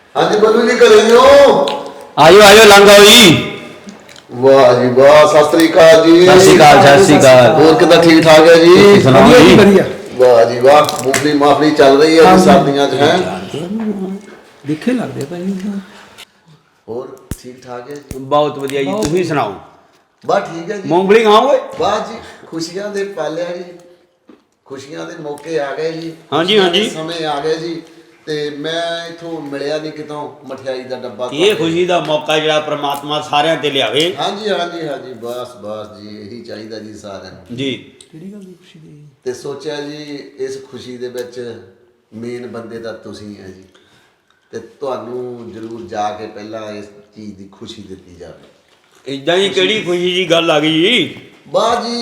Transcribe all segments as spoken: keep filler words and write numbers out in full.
हाँ जी बल्लू जी करे हो आयो आयो लंघ आओ जी। वाह जी वाह सत श्री अकाल जी। सत श्री अकाल सत श्री अकाल। और कितना ठीक ठाक है जी? सुनाओ जी। वाह जी वाह मूंगफली माफली चल रही है जी सर्दियां च हैं दिखे लगदे भाई। और ठीक ठाक है जी? बहुत वधिया जी तुसीं सुनाओ। बस ठीक है जी। मूंगफली खाओगे? वाह जी खुशियां दे पाले जी खुशियां दे मौके आ गए जी। हाँ जी हाँ जी समय आ गए जी ਤੇ ਮੈਂ ਇਥੋਂ ਮਿਲਿਆ ਨਹੀਂ ਕਿਤੋਂ ਮਠਿਆਈ ਦਾ ਡੱਬਾ। ਇਹ ਖੁਸ਼ੀ ਦਾ ਮੌਕਾ ਜਿਹੜਾ ਪ੍ਰਮਾਤਮਾ ਸਾਰਿਆਂ ਤੇ ਲਿਆਵੇ। ਹਾਂਜੀ ਹਾਂਜੀ ਹਾਂਜੀ ਬਸ ਬਸ ਜੀ ਇਹੀ ਚਾਹੀਦਾ ਜੀ ਸਾਰਿਆਂ ਨੂੰ ਜੀ। ਕਿਹੜੀ ਗੱਲ ਦੀ ਖੁਸ਼ੀ ਦੀ? ਤੇ ਸੋਚਿਆ ਜੀ ਇਸ ਖੁਸ਼ੀ ਦੇ ਵਿੱਚ ਮੇਨ ਬੰਦੇ ਤਾਂ ਤੁਸੀਂ ਹੈ ਜੀ ਤੇ ਤੁਹਾਨੂੰ ਜ਼ਰੂਰ ਜਾ ਕੇ ਪਹਿਲਾਂ ਇਸ ਚੀਜ਼ ਦੀ ਖੁਸ਼ੀ ਦਿੱਤੀ ਜਾਵੇ। ਇਦਾਂ ਹੀ ਕਿਹੜੀ ਖੁਸ਼ੀ ਦੀ ਗੱਲ ਆ ਗਈ ਜੀ? ਬਾਅਦ ਜੀ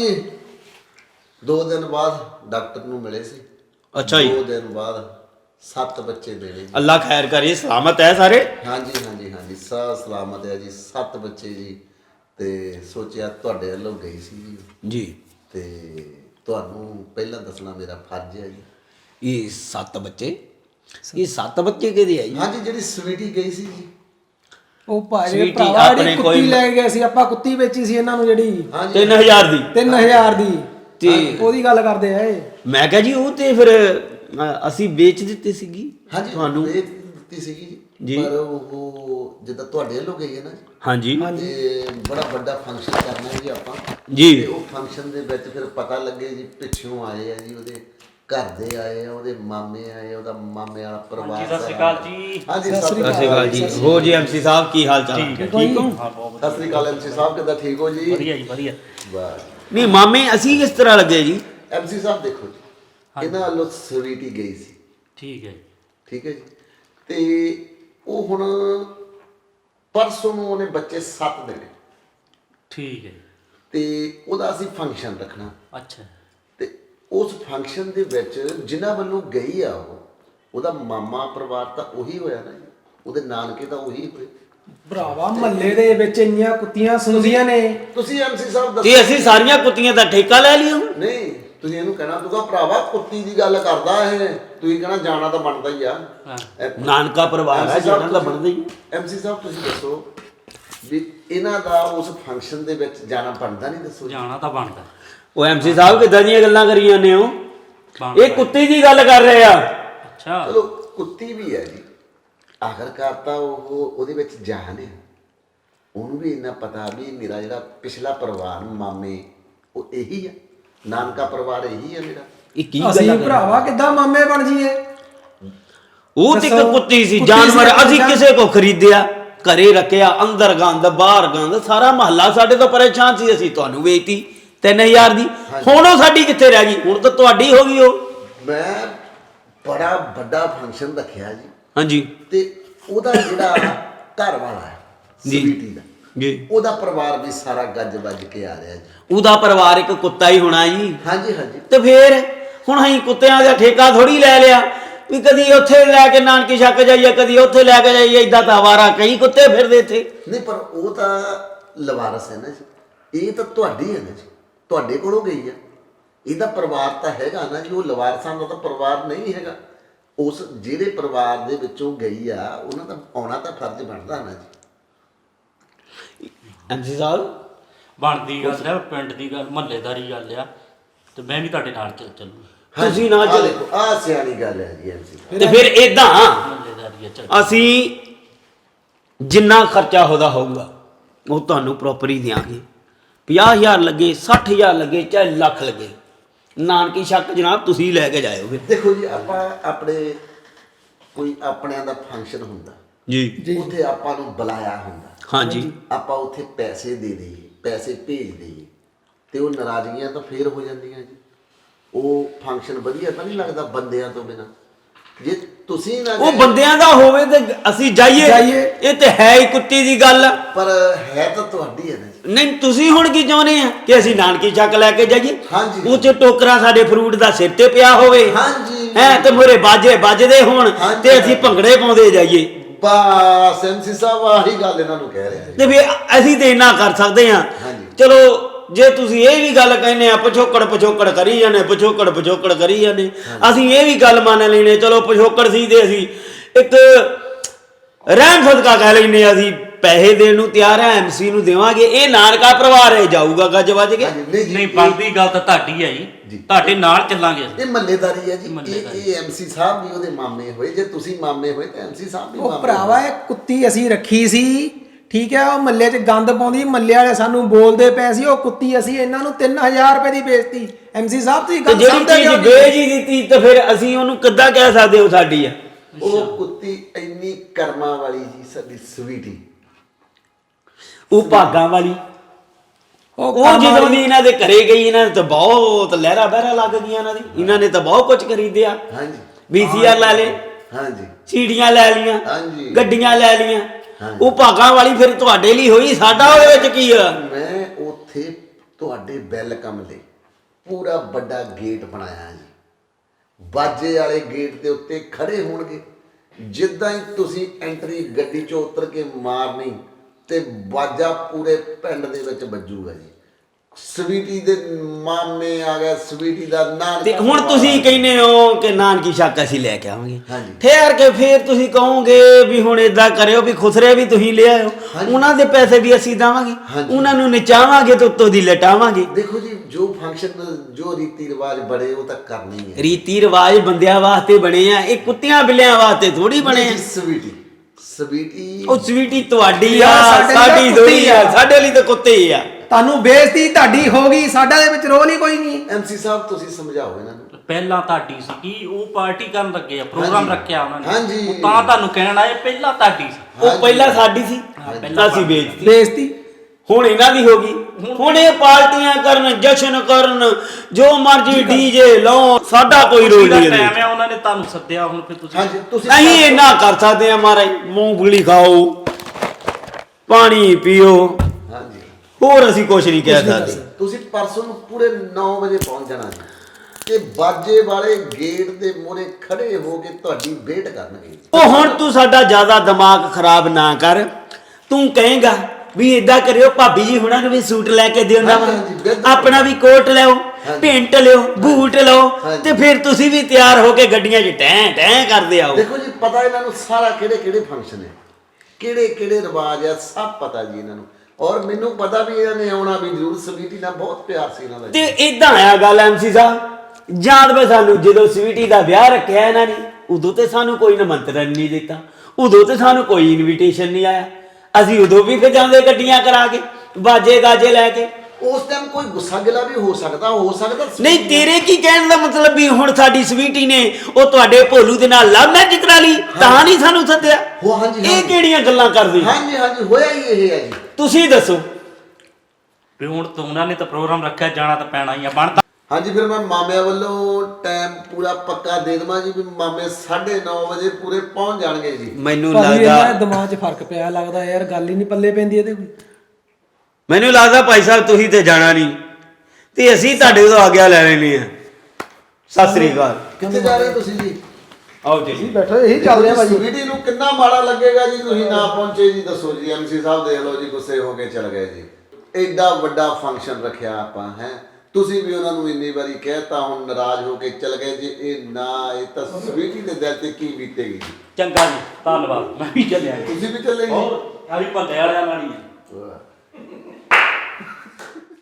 ਦੋ ਦਿਨ ਬਾਅਦ ਡਾਕਟਰ ਨੂੰ ਮਿਲੇ ਸੀ। ਅੱਛਾ ਜੀ। ਦੋ ਦਿਨ ਬਾਅਦ ਸੱਤ ਬੱਚੇ ਦੇਣੇ ਜੀ। ਅੱਲਾ ਖੈਰ ਕਰੇ ਸਲਾਮਤ ਹੈ ਸਾਰੇ? ਹਾਂਜੀ ਹਾਂਜੀ ਹਾਂਜੀ ਸਭ ਸਲਾਮਤ ਹੈ ਜੀ ਸੱਤ ਬੱਚੇ ਜੀ ਤੇ ਸੋਚਿਆ ਤੁਹਾਡੇ ਵੱਲੋਂ ਗਈ ਸੀ ਜੀ ਜੀ ਤੇ ਤੁਹਾਨੂੰ ਪਹਿਲਾਂ ਦੱਸਣਾ ਮੇਰਾ ਫਰਜ਼ ਹੈ ਜੀ। ਇਹ ਸੱਤ ਬੱਚੇ ਇਹ ਸੱਤ ਬੱਚੇ ਕਿਹਦੇ ਆ ਜੀ? ਹਾਂਜੀ ਜਿਹੜੀ ਸਵੀਟੀ ਗਈ ਸੀ ਜੀ ਉਹ ਭਾਈ ਸਵੀਟੀ ਭਰਾਵਾ ਆਪਣੇ ਜਿਹੜੀ ਕੋਈ- ਕੁੱਤੀ ਲੈ ਗਏ ਸੀ ਆਪਾਂ ਕੁੱਤੀ ਵੇਚੀ ਸੀ ਇਹਨਾਂ ਨੂੰ ਜਿਹੜੀ ਹਾਂਜੀ ਤਿੰਨ ਹਜ਼ਾਰ ਦੀ। ਤਿੰਨ ਹਜ਼ਾਰ ਦੀ ਤੇ ਉਹਦੀ ਗੱਲ ਕਰਦੇ ਆ ਇਹ। ਮੈਂ ਕਿਹਾ ਜੀ ਉਹ ਤੇ ਫਿਰ ਅ, ਅਸੀਂ ਵੇਚ ਦਿੱਤੀ ਸੀਗੀ ਹਾਂਜੀ ਤੁਹਾਨੂੰ। ਇਹ ਦਿੱਤੀ ਸੀਗੀ ਜੀ। ਪਰ ਉਹ ਜਿੱਦਾਂ ਤੁਹਾਡੇ ਵੱਲੋਂ ਗਈ ਹੈ ਨਾ ਹਾਂਜੀ ਤੇ ਬੜਾ ਵੱਡਾ ਫੰਕਸ਼ਨ ਕਰਨਾ ਹੈ ਜੀ ਆਪਾਂ ਜੀ। ਤੇ ਉਹ ਫੰਕਸ਼ਨ ਦੇ ਵਿੱਚ ਫਿਰ ਪਤਾ ਲੱਗੇ ਜੀ ਪਿੱਛੋਂ ਆਏ ਆ ਜੀ ਉਹਦੇ ਘਰ ਦੇ ਆਏ ਆ ਉਹਦੇ ਮਾਮੇ ਆਏ ਉਹਦਾ ਮਾਮੇ ਵਾਲਾ ਪਰਿਵਾਰ। ਸਤਿ ਸ਼੍ਰੀ ਅਕਾਲ ਜੀ। ਹਾਂਜੀ ਸਤਿ ਸਤਿ ਸ਼੍ਰੀ ਸ਼੍ਰੀ ਸਤਿ ਸ਼੍ਰੀ ਅਕਾਲ ਜੀ। ਹੋ ਜੀ ਐਮਸੀ ਸਾਹਿਬ ਕੀ ਹਾਲ ਚਾਲ? ਠੀਕ ਹੈ, ਠੀਕ ਹੋ? ਹਾਂ ਬਹੁਤ ਸਤਿ ਸ਼੍ਰੀ ਅਕਾਲ ਐਮਸੀ ਸਾਹਿਬ ਕਿੱਦਾਂ ਠੀਕ ਹੋ ਜੀ? ਵਧੀਆ ਜੀ ਵਧੀਆ। ਵਾਹ ਨਹੀਂ ਮਾਮੇ ਅਸੀਂ ਕਿਸ ਤਰ੍ਹਾਂ ਲੱਗੇ ਜੀ? ਐਮਸੀ ਸਾਹਿਬ ਦੇਖੋ ਜੀ ਇਹਨਾਂ ਵੱਲੋਂ ਸਵੀਟੀ ਗਈ ਸੀ ਠੀਕ ਹੈ ਜੀ। ਠੀਕ ਹੈ ਜੀ ਤੇ ਉਹ ਹੁਣ ਪਰਸੋਂ ਨੂੰ ਉਹਨੇ ਬੱਚੇ ਸੱਤ ਦੇਣੇ ਠੀਕ ਹੈ ਜੀ। ਤੇ ਉਹਦਾ ਅਸੀਂ ਫੰਕਸ਼ਨ ਰੱਖਣਾ ਅੱਛਾ ਤੇ ਉਸ ਫੰਕਸ਼ਨ ਦੇ ਵਿੱਚ ਜਿਨ੍ਹਾਂ ਵੱਲੋਂ ਗਈ ਆ ਉਹ ਉਹਦਾ ਮਾਮਾ ਪਰਿਵਾਰ ਤਾਂ ਉਹੀ ਹੋਇਆ ਨਾ ਜੀ ਉਹਦੇ ਨਾਨਕੇ ਤਾਂ ਉਹੀ ਹੋਏ। ਭਰਾਵਾ ਮਹੱਲੇ ਦੇ ਵਿੱਚ ਇੰਨੀਆਂ ਕੁੱਤੀਆਂ ਸੁਣਦੀਆਂ ਨੇ। ਤੁਸੀਂ ਐਮਸੀ ਸਾਹਿਬ ਦੱਸੋ। ਤੇ ਅਸੀਂ ਸਾਰੀਆਂ ਕੁੱਤੀਆਂ ਦਾ ਠੇਕਾ ਲੈ ਲਿਆ ਹੁਣ? ਨਹੀਂ ਤੁਸੀਂ ਇਹਨੂੰ ਕਹਿਣਾ ਤੂੰ ਭਰਾਵਾ ਕੁੱਤੀ ਦੀ ਗੱਲ ਕਰਦਾ ਇਹ ਤੁਸੀਂ ਕਹਿਣਾ ਜਾਣਾ ਤਾਂ ਬਣਦਾ ਹੀ ਆ। ਹਾਂ। ਨਾਨਕਾ ਪਰਿਵਾਰ ਹੈ ਜਾਣਾ ਤਾਂ ਬਣਦਾ ਹੀ ਹੈ। ਐਮਸੀ ਸਾਹਿਬ ਤੁਸੀਂ ਦੱਸੋ ਵੀ ਇਹਨਾਂ ਦਾ ਉਸ ਫੰਕਸ਼ਨ ਦੇ ਵਿੱਚ ਜਾਣਾ ਬਣਦਾ ਨਹੀਂ ਦੱਸੋ ਜੀ। ਜਾਣਾ ਤਾਂ ਬਣਦਾ ਉਹ ਐਮਸੀ ਸਾਹਿਬ ਕਿੱਦਾਂ ਦੀਆਂ ਗੱਲਾਂ ਕਰੀ ਜਾਂਦੇ ਹੋ? ਬਣਦਾ। ਇਹ ਕੁੱਤੀ ਦੀ ਗੱਲ ਕਰ ਰਹੇ ਆ। ਅੱਛਾ ਚਲੋ ਕੁੱਤੀ ਵੀ ਹੈ ਜੀ ਆਖਰਕਾਰ ਤਾਂ ਉਹ ਉਹਦੇ ਵਿੱਚ ਜਾਨ ਹੈ ਉਹਨੂੰ ਵੀ ਇੰਨਾ ਪਤਾ ਵੀ ਮੇਰਾ ਜਿਹੜਾ ਪਿਛਲਾ ਪਰਿਵਾਰ ਮਾਮੇ ਉਹ ਇਹੀ ਆ ਨਾਨਕਾ ਪਰਿਵਾਰ ਇਹੀ ਹੈ ਮੇਰਾ। ਇਹ ਕੀ ਅਸੀਂ ਗੱਲਾਂ ਕਰ- ਭਰਾਵਾ ਕਿੱਦਾਂ ਮਾਮੇ ਬਣ ਜੀਏ? ਉਹ ਤੇ ਇੱਕ ਦੱਸੋ। ਕੁੱਤੀ ਸੀ ਕੁੱਤੀ ਜਾਨਵਰ ਸੀ, ਅਸੀਂ ਜਾਨ- ਕਿਸੇ ਕੋ ਖਰੀਦਿਆ ਘਰੇ ਰੱਖਿਆ ਅੰਦਰ ਗੰਦ ਬਾਹਰ ਗੰਦ ਸਾਰਾ ਮਹੱਲਾ ਸਾਡੇ ਤੋਂ ਪਰੇਸ਼ਾਨ ਸੀ ਅਸੀਂ ਤੁਹਾਨੂੰ ਵੇਚਤੀ ਤਿੰਨ ਹਜ਼ਾਰ ਦੀ। ਹੁਣ ਉਹ ਸਾਡੀ ਕਿੱਥੇ ਰਹਿ ਗਈ? ਹੁਣ ਤਾਂ ਤੁਹਾਡੀ ਹੋ ਗਈ ਉਹ। ਮੈਂ ਬੜਾ ਵੱਡਾ ਫੰਕਸ਼ਨ ਰੱਖਿਆ ਜੀ ਹਾਂਜੀ ਤੇ ਉਹਦਾ ਜਿਹੜਾ ਘਰ ਵਾਲਾ ਹੈ ਜੀ। ਸਵੀਟੀ ਦਾ ਜੀ ਉਹਦਾ ਪਰਿਵਾਰ ਵੀ ਸਾਰਾ ਗੱਜ ਵੱਜ ਕੇ ਆ ਰਿਹਾ ਜੀ। ਉਹਦਾ ਪਰਿਵਾਰ ਇੱਕ ਕੁੱਤਾ ਹੀ ਹੋਣਾ ਜੀ। ਹਾਂਜੀ ਹਾਂਜੀ ਤੇ ਫੇਰ ਹੁਣ ਅਸੀਂ ਕੁੱਤਿਆਂ ਦਾ ਠੇਕਾ ਥੋੜੀ ਲੈ ਲਿਆ ਵੀ ਕਦੀ ਉੱਥੇ ਲੈ ਕੇ ਨਾਨਕੀ ਛੱਕ ਜਾਈਏ ਕਦੀ ਉੱਥੇ ਲੈ ਕੇ ਜਾਈਏ। ਇਦਾਂ ਤਾਂ ਆਵਾਰਾ ਕਈ ਕੁੱਤੇ ਫਿਰਦੇ ਇੱਥੇ। ਨਹੀਂ ਪਰ ਉਹ ਤਾਂ ਲਵਾਰਸ ਹੈ ਨਾ ਜੀ ਇਹ ਤਾਂ ਤੁਹਾਡੀ ਹੈ ਨਾ ਜੀ ਤੁਹਾਡੇ ਕੋਲੋਂ ਗਈ ਆ ਇਹਦਾ ਪਰਿਵਾਰ ਤਾਂ ਹੈਗਾ ਨਾ ਜੀ ਉਹ ਲਵਾਰਸਾਂ ਦਾ ਤਾਂ ਪਰਿਵਾਰ ਨਹੀਂ ਹੈਗਾ। ਉਸ ਜਿਹੜੇ ਪਰਿਵਾਰ ਦੇ ਵਿੱਚੋਂ ਗਈ ਆ ਉਹਨਾਂ ਦਾ ਆਉਣਾ ਤਾਂ ਫਰਜ਼ ਬਣਦਾ ਨਾ ਜੀ। ਐਮਸੀ ਸਾਹਿਬ ਬਣਦੀ ਗੱਲ ਹੈ ਪਿੰਡ ਦੀ ਗੱਲ ਮਹੱਲੇਦਾਰੀ ਗੱਲ ਆ ਤੇ ਮੈਂ ਵੀ ਤੁਹਾਡੇ ਨਾਲ ਚੱਲ ਚੱਲੂ। ਤੁਸੀਂ ਨਾ ਆਹ ਚਲੋ। ਦੇਖੋ ਆਹ ਸਿਆਣੀ ਗੱਲ ਹੈ ਜੀ ਐਮਸੀ ਤੇ ਫਿਰ ਇਦਾਂ ਮਹੱਲੇਦਾਰੀ ਆ ਚੱਲ। ਅਸੀਂ ਜਿੰਨਾ ਖਰਚਾ ਉਹਦਾ ਹੋਊਗਾ ਉਹ ਤੁਹਾਨੂੰ ਪ੍ਰੋਪਰ ਹੀ ਦਿਆਂਗੇ। ਪੰਜਾਹ ਹਜ਼ਾਰ ਲੱਗੇ ਸੱਠ ਹਜ਼ਾਰ ਲੱਗੇ ਚਾਹੇ ਲੱਖ ਲੱਗੇ ਨਾਨਕੀ ਛੱਕ ਜਨਾਬ ਤੁਸੀਂ ਲੈ ਕੇ ਜਾਇਓ ਫਿਰ। ਦੇਖੋ ਜੀ ਆਪਾਂ ਆਪਣੇ ਕੋਈ ਆਪਣਿਆਂ ਦਾ ਫੰਕਸ਼ਨ ਹੁੰਦਾ ਜੀ ਉੱਥੇ ਆਪਾਂ ਨੂੰ ਬੁਲਾਇਆ ਹੁੰਦਾ ਹਾਂਜੀ ਆਪਾਂ ਉੱਥੇ ਪੈਸੇ ਦੇ ਦੇਈਏ ਪੈਸੇ ਭੇਜ ਦੇਈਏ ਤੇ ਉਹ ਨਾਰਾਜ਼ਗੀਆਂ ਤਾਂ ਫੇਰ ਹੋ ਜਾਂਦੀਆਂ ਜੀ। ਉਹ ਫੰਕਸ਼ਨ ਵਧੀਆ ਤਾਂ ਨਹੀਂ ਲੱਗਦਾ ਬੰਦਿਆਂ ਤੋਂ ਬਿਨਾ। ਜੇ ਤੁਸੀਂ ਨਾ ਉਹ ਬੰਦਿਆਂ ਦਾ ਹੋਵੇ ਤੇ ਅਸੀਂ ਜਾਈਏ। ਜਾਈਏ। ਇਹ ਤੇ ਹੈ ਹੀ ਕੁੱਤੀ ਦੀ ਗੱਲ। ਪਰ ਹੈ ਤਾਂ ਤੁਹਾਡੀ ਹੈ ਨਾ ਜੀ। ਨਹੀਂ ਤੁਸੀਂ ਹੁਣ ਕੀ ਚਾਹੁੰਦੇ ਆ ਕਿ ਅਸੀਂ ਨਾਨਕੀ ਚੱਕ ਲੈ ਕੇ ਜਾਈਏ? ਹਾਂਜੀ। ਉਹ ਚ ਟੋਕਰਾ ਸਾਡੇ ਫਰੂਟ ਦਾ ਸਿਰ ਤੇ ਪਿਆ ਹੋਵੇ ਹਾਂਜੀ। ਹੈ ਤੇ ਮੋਰੇ ਬਾਜੇ ਵੱਜਦੇ ਹੋਣ ਹਾਂਜੀ। ਤੇ ਅਸੀਂ ਭੰਗੜੇ ਪਾਉਂਦੇ ਜਾਈਏ। ਬਸ ਐਮਸੀ ਸਾਹਿਬ ਆਹੀ ਗੱਲ ਇਹਨਾਂ ਨੂੰ ਕਹਿ ਰਿਹਾ ਤੇ ਵੀ ਅਸੀਂ ਤੇ ਇੰਨਾ ਕਰ ਸਕਦੇ ਆ। ਹਾਂਜੀ। ਚਲੋ ਜੇ ਤੁਸੀਂ ਇਹ ਵੀ ਗੱਲ ਕਹਿੰਦੇ ਆ ਪਿਛੋਕੜ ਪਿਛੋਕੜ ਕਰੀ ਜਾਂਦੇ ਪਿਛੋਕੜ ਪਿਛੋਕੜ ਕਰੀ ਜਾਂਦੇ ਅਸੀਂ ਇਹ ਵੀ ਗੱਲ ਮੰਨ ਲੈਣੇ ਚਲੋ ਪਿਛੋਕੜ ਸੀ ਤੇ ਅਸੀਂ ਇੱਕ ਰਹਿਣ ਸਦਕਾ ਕਹਿ ਲੈਨੇ ਅਸੀਂ ਪੈਸੇ ਦੇਣ ਨੂੰ ਤਿਆਰ ਆ, ਐਮਸੀ ਨੂੰ ਦੇਵਾਂਗੇ, ਇਹ ਨਾਨਕਾ ਪਰਿਵਾਰ ਹੈ ਜਾਊਗਾ ਗੱਜ ਵੱਜ ਕੇ। ਹਾਂਜੀ, ਨਹੀਂ ਜੀ, ਨਹੀਂ ਇਹ- ਬਣਦੀ ਗੱਲ ਤਾਂ ਤੁਹਾਡੀ ਹੈ ਜੀ, ਤੁਹਾਡੇ ਨਾਲ ਚੱਲਾਂਗੇ ਅਸੀਂ। ਇਹ ਮਹੱਲੇਦਾਰੀ ਹੈ ਜੀ, ਮਹੱਲੇਦਾਰੀ। ਇਹ ਇਹ ਐਮਸੀ ਸਾਹਿਬ ਵੀ ਉਹਦੇ ਮਾਮੇ ਹੋਏ, ਜੇ ਤੁਸੀਂ ਮਾਮੇ ਹੋਏ ਤਾਂ ਐਮਸੀ ਸਾਹਿਬ ਵੀ ਉਹ ਮਾਮੇ ਭਰਾਵਾ ਇਹ ਕੁੱਤੀ ਅਸੀਂ ਰੱਖੀ ਸੀ, ਠੀਕ ਹੈ, ਉਹ ਮੱਲੇ 'ਚ ਗੰਦ ਪਾਉਂਦੀ, ਮੱਲੇ ਵਾਲੇ ਸਾਨੂੰ ਬੋਲਦੇ ਪਏ ਸੀ, ਉਹ ਕੁੱਤੀ ਅਸੀਂ ਇਹਨਾਂ ਨੂੰ ਤਿੰਨ ਹਜ਼ਾਰ ਰੁਪਏ ਦੀ ਵੇਚਤੀ। ਐਮਸੀ ਸਾਹਿਬ ਤੁਸੀਂ ਤੇ ਗੱਲ ਜਿਹੜੀ ਸਮਝਦੇ ਚੀਜ਼ ਕਿਉਂ ਨਹੀਂ? ਵੇਚ ਹੀ ਦਿੱਤੀ ਤਾਂ ਫਿਰ ਅਸੀਂ ਉਹਨੂੰ ਕਿੱਦਾਂ ਕਹਿ ਸਕਦੇ ਹੋ ਸਾਡੀ ਆ? ਉਹ ਕੁੱਤੀ ਇੰਨੀ ਕਰਮਾਂ ਵਾਲੀ ਜੀ, ਸਾਡੀ ਸਵੀਟੀ। ਉਹ ਭਾਗਾਂ ਵਾਲੀ, ਉਹ ਉਹ ਕੰਮ ਜਦੋਂ ਵਾਲੀ- ਦੀ ਇਹਨਾਂ ਦੇ ਘਰੇ ਗਈ, ਇਹਨਾਂ ਨੇ ਤਾਂ ਬਹੁਤ ਲਹਿਰਾ ਬਹਿਰਾ ਲੱਗ ਗਈਆਂ ਇਹਨਾਂ ਦੀ, ਇਹਨਾਂ ਨੇ ਤਾਂ ਬਹੁਤ ਕੁਝ ਖਰੀਦਿਆ, ਹਾਂਜੀ ਵੀਸੀਆਰ ਲੈ ਲਏ, ਹਾਂਜੀ ਸੀੜੀਆਂ ਲੈ ਲੀਆਂ, ਹਾਂਜੀ। ਗੱਡੀਆਂ ਲੈ ਲੀਆਂ। ਹਾਂਜੀ। ਉਹ ਭਾਗਾਂ ਵਾਲੀ ਫਿਰ ਤੁਹਾਡੇ ਲਈ ਹੋਈ, ਸਾਡਾ ਉਹਦੇ ਵਿੱਚ ਕੀ ਆ? ਮੈਂ ਉੱਥੇ ਤੁਹਾਡੇ ਵੈਲਕਮ ਲਈ ਪੂਰਾ ਵੱਡਾ ਗੇਟ ਬਣਾਇਆ ਜੀ, ਬਾਜੇ ਵਾਲੇ ਗੇਟ ਦੇ ਉੱਤੇ ਖੜੇ ਹੋਣਗੇ, ਜਿੱਦਾਂ ਹੀ ਤੁਸੀਂ ਐਂਟਰੀ ਗੱਡੀ 'ਚੋਂ ਉਤਰ ਕੇ ਮਾਰਨੀ ਤੇ ਬਾਜਾ ਪੂਰੇ ਪਿੰਡ ਦੇ ਵਿੱਚ ਵੱਜੂਗਾ ਜੀ। ਸਵੀਟੀ ਦੇ ਮਾਮੇ ਆ ਗਿਆ, ਸਵੀਟੀ ਦਾ ਨਾਂ। ਤੇ ਹੁਣ ਤੁਸੀਂ ਕਹਿੰਦੇ ਹੋ ਕਿ ਨਾਨਕੀ ਸ਼ੱਕ ਅਸੀਂ ਲੈ ਕੇ ਆਵਾਂਗੇ, ਹਾਂਜੀ। ਠਹਿਰ ਕੇ ਫੇਰ ਤੁਸੀਂ ਕਹੋਗੇ ਵੀ ਹੁਣ ਇਦਾਂ ਕਰਿਓ ਵੀ ਖੁਸਰੇ ਵੀ ਤੁਸੀਂ ਲਿਆਓ, ਹਾਂਜੀ। ਉਹਨਾਂ ਦੇ ਪੈਸੇ ਵੀ ਅਸੀਂ ਦੇਵਾਂਗੇ, ਹਾਂਜੀ। ਉਹਨਾਂ ਨੂੰ ਨਚਾਵਾਂਗੇ ਤੇ ਉੱਤੋਂ ਦੀ ਲਟਾਵਾਂਗੇ। ਦੇਖੋ ਜੀ, ਜੋ ਫੰਕਸ਼ਨ ਜੋ ਰੀਤੀ ਰਿਵਾਜ ਬੜੇ ਉਹ ਤਾਂ ਕਰਨੀ ਹੈ। ਰੀਤੀ ਰਿਵਾਜ ਬੰਦਿਆਂ ਵਾਸਤੇ ਬਣੇ ਆ, ਇਹ ਕੁੱਤਿਆਂ ਬਿੱਲਿਆਂ ਵਾਸਤੇ ਥੋੜੀ ਬਣੇ ਆ। ਜੀ, ਸਵੀਟੀ ਸਵੀਟੀ ਉਹ ਸਵੀਟੀ ਤੁਹਾਡੀ ਆ, ਯਾਰ ਸਾਡੇ ਲਈ ਤਾਂ ਸਾਡੀ ਕੁੱਤੀ ਥੋੜੀ ਆ, ਆ। ਸਾਡੇ ਲਈ ਤਾਂ ਕੁੱਤੇ ਹੀ ਆ। ਤੁਹਾਨੂੰ ਬੇਇੱਜ਼ਤੀ ਤੁਹਾਡੀ ਹੋ ਗਈ, ਸਾਡਾ ਦੇ ਵਿੱਚ ਰੋਲ ਹੀ ਕੋਈ ਨਹੀਂ। ਐਮਸੀ ਸਾਹਿਬ ਤੁਸੀਂ ਸਮਝਾਓ ਇਹਨਾਂ ਨੂੰ। ਪਹਿਲਾਂ ਤੁਹਾਡੀ ਸੀ ਕਿ ਉਹ ਪਾਰਟੀ ਕਰਨ ਲੱਗੇ ਆ, ਪ੍ਰੋਗਰਾਮ ਹਾਂਜੀ। ਰੱਖਿਆ ਉਹਨਾਂ ਨੇ, ਹਾਂਜੀ। ਉਹ ਤਾਂ ਤੁਹਾਨੂੰ ਕਹਿਣ ਆਏ ਪਹਿਲਾਂ ਤੁਹਾਡੀ ਸੀ। ਉਹ ਹਾਂਜੀ। ਪਹਿਲਾਂ ਸਾਡੀ ਸੀ, ਪਹਿਲਾਂ ਅਸੀਂ ਵੇਚਤੀ, ਬੇਇੱਜ਼ਤੀ ਹੁਣ ਇਹਨਾਂ ਦੀ ਹੋ ਗਈ। ਹੁਣ ਇਹ ਪਾਰਟੀਆਂ ਕਰਨ, ਜਸ਼ਨ ਕਰਨ, ਜੋ ਮਰਜੀ ਡੀਜੇ ਲਾਉ, ਸਾਡਾ ਕੋਈ ਰੋਲ ਨਹੀਂ ਇਹਦੇ ਟਾਈਮ ਵਿੱਚ। ਹੈ, ਉਹਨਾਂ ਨੇ ਤੁਹਾਨੂੰ ਸੱਦਿਆ, ਹੁਣ ਫਿਰ ਤੁਸੀਂ ਹਾਂਜੀ, ਤੁਸੀਂ ਅਸੀਂ ਇੰਨਾ ਕਰ ਸਕਦੇ ਆ ਮਹਾਰਾਜ, ਮੂੰਗਫਲੀ ਖਾਓ, ਪਾਣੀ ਪੀਓ, ਹਾਂਜੀ, ਹੋਰ ਅਸੀਂ ਕੁਝ ਨਹੀਂ ਕਹਿ ਸਕਦੇ। ਤੁਸੀਂ ਪਰਸੋਂ ਨੂੰ ਪੂਰੇ ਨੌ ਵਜੇ ਪਹੁੰਚ ਜਾਣਾ ਜੀ, ਤੇ ਬਾਜੇ ਵਾਲੇ ਗੇਟ ਦੇ ਮੂਹਰੇ ਖੜੇ ਹੋ ਕੇ ਤੁਹਾਡੀ ਵੇਟ ਕਰਨਗੇ। ਉਹ ਹੁਣ ਤੂੰ ਸਾਡਾ ਜ਼ਿਆਦਾ ਦਿਮਾਗ ਖਰਾਬ ਨਾ ਕਰ, ਤੂੰ ਕਹੇਗਾ ਵੀ ਇਦਾਂ ਕਰਿਓ, ਭਾਬੀ ਜੀ ਹੁਣਾਂ ਨੂੰ ਵੀ ਸੂਟ ਲੈ ਕੇ ਦਿਓ, ਹਾਂਜੀ, ਹਾਂਜੀ, ਬਿਲਕੁਲ। ਆਪਣਾ ਵੀ ਕੋਟ ਲਿਓ, ਹਾਂਜੀ। ਪੈਂਟ ਲਿਓ, ਬੂਟ ਲਿਓ, ਹਾਂਜੀ। ਤੇ ਫਿਰ ਤੁਸੀਂ ਵੀ ਤਿਆਰ ਹੋ ਕੇ ਗੱਡੀਆਂ 'ਚ ਟੈਂ ਟੈਂ ਕਰਦੇ ਆਓ। ਦੇਖੋ ਜੀ, ਪਤਾ ਇਹਨਾਂ ਨੂੰ ਸਾਰਾ ਕਿਹੜੇ ਕਿਹੜੇ ਫੰਕਸ਼ਨ ਹੈ, ਕਿਹੜੇ ਕਿਹੜੇ ਰਿਵਾਜ ਆ, ਸਭ ਪਤਾ ਜੀ ਇਹਨਾਂ ਨੂੰ। ਔਰ ਮੈਨੂੰ ਪਤਾ ਵੀ ਇਹਨਾਂ ਨੇ ਆਉਣਾ ਵੀ ਜ਼ਰੂਰ। ਸਵੀਟੀ ਨਾਲ ਬਹੁਤ ਪਿਆਰ ਸੀ ਇਹਨਾਂ ਦਾ ਤੇ ਜੀ। ਇਦਾਂ ਆ ਗੱਲ ਐਮਸੀ ਸਾਹਿਬ, ਯਾਦ ਵੇ ਸਾਨੂੰ ਜਦੋਂ ਸਵੀਟੀ ਦਾ ਵਿਆਹ ਰੱਖਿਆ ਇਹਨਾਂ ਨੇ, ਉਦੋਂ ਤੇ ਸਾਨੂੰ ਕੋਈ ਨਿਮੰਤਰਣ ਨਹੀਂ ਦਿੱਤਾ, ਉਦੋਂ ਤੇ ਸਾਨੂੰ ਕੋਈ ਇਨਵੀਟੇਸ਼ਨ ਨਹੀਂ ਆਇਆ। ਅਸੀਂ ਉਦੋਂ ਵੀ ਫਿਰ ਜਾਂਦੇ ਗੱਡੀਆਂ ਕਰਾ ਕੇ, ਬਾਜੇ ਗਾਜੇ ਲੈ ਕੇ। ਉਸ ਟਾਈਮ ਕੋਈ ਗੁੱਸਾ ਗਿਲਾ ਵੀ ਹੋ ਸਕਦਾ ਹੋ ਸਕਦਾ ਨਹੀਂ, ਤੇਰੇ ਕੀ ਕਹਿਣ ਦਾ ਮਤਲਬ ਵੀ ਹੁਣ ਸਾਡੀ ਸਵੀਟੀ ਨੇ ਉਹ ਤੁਹਾਡੇ ਭੋਲੂ ਦੇ ਨਾਲ ਲਵ ਮੈਰਿਜ ਕਰਾ ਲਈ, ਤਾਂ ਨਹੀਂ ਸਾਨੂੰ ਸੱਦਿਆ? ਹੋ ਹਾਂਜੀ ਇਹ ਹਾਂਜੀ। ਕਿਹੜੀਆਂ ਗੱਲਾਂ ਕਰਦੇ? ਹਾਂਜੀ ਹਾਂਜੀ, ਹੋਇਆ ਹੀ ਇਹ ਹੈ ਜੀ। ਤੁਸੀਂ ਦੱਸੋ। ਵੀ ਹੁਣ ਤਾਂ ਉਹਨਾਂ ਨੇ ਤਾਂ ਪ੍ਰੋਗਰਾਮ ਰੱਖਿਆ, ਜਾਣਾ ਤਾਂ ਪੈਣਾ ਹੀ ਆ, ਬਣਦਾ। ਹਾਂਜੀ, ਫਿਰ ਮੈਂ ਮਾਮਿਆਂ ਵੱਲੋਂ ਟਾਈਮ ਪੂਰਾ ਪੱਕਾ ਦੇ ਦੇਵਾਂ ਜੀ, ਵੀ ਮਾਮੇ ਸਾਢੇ ਨੌ ਵਜੇ ਪੂਰੇ ਪਹੁੰਚ ਜਾਣਗੇ ਜੀ। ਮੈਨੂੰ ਭਾਜੀ ਇਹਨਾਂ ਦੇ ਲੱਗਦਾ ਦਿਮਾਗ 'ਚ ਫਰਕ ਪਿਆ ਲੱਗਦਾ ਯਾਰ, ਗੱਲ ਹੀ ਨਹੀਂ ਪੱਲੇ ਪੈਂਦੀ ਇਹਦੇ ਕੋਈ। ਮੈਨੂੰ ਲੱਗਦਾ ਭਾਈ ਸਾਹਿਬ ਤੁਸੀਂ ਤੇ ਜਾਣਾ ਨਹੀਂ, ਤੇ ਅਸੀਂ ਤੁਹਾਡੇ ਤੋਂ ਆਗਿਆ ਲੈ ਲੈਣੀ ਆ। ਸਤਿ ਸ੍ਰੀ ਅਕਾਲ। ਕਿੱਥੇ ਜਾ ਰਹੇ ਤੁਸੀਂ ਜੀ? ਆਓ ਜੀ। ਬੈਠੋ, ਇਹੀ ਚੱਲ ਰਿਹਾ ਭਾਜੀ। ਸਵੀਟੀ ਨੂੰ ਕਿੰਨਾ ਮਾੜਾ ਲੱਗੇਗਾ ਜੀ ਤੁਸੀਂ ਨਾ ਪਹੁੰਚੇ ਜੀ? ਦੱਸੋ ਜੀ। ਐਮਸੀ ਸਾਹਿਬ ਦੇਖ ਲਓ ਜੀ, ਗੁੱਸੇ ਹੋ ਕੇ ਚਲ ਗਏ ਜੀ। ਐਡਾ ਵੱਡਾ ਫੰਕਸ਼ਨ ਰੱਖਿਆ ਆਪਾਂ ਹੈ, ਤੁਸੀਂ ਵੀ ਉਹਨਾਂ ਨੂੰ ਇੰਨੀ ਵਾਰੀ ਕਹਿਤਾ, ਹੁਣ ਨਾਰਾਜ਼ ਹੋ ਕੇ ਚਲ ਗਏ ਜੀ। ਇਹ ਨਾ ਇਹ ਤਾਂ ਸਵੀਟੀ ਦੇ ਦਿਲ ਤੇ ਕੀ ਬੀਤੇਗੀ ਜੀ। ਚੰਗਾ ਜੀ, ਧੰਨਵਾਦ, ਮੈਂ ਵੀ ਚੱਲਿਆ। ਤੁਸੀਂ ਵੀ ਚੱਲੇ ਜੀ? ਹੋਰ ਆਹੀ ਭੱਲੇ ਵਾਲਿਆਂ ਨਾਲ ਹੀ ਆ।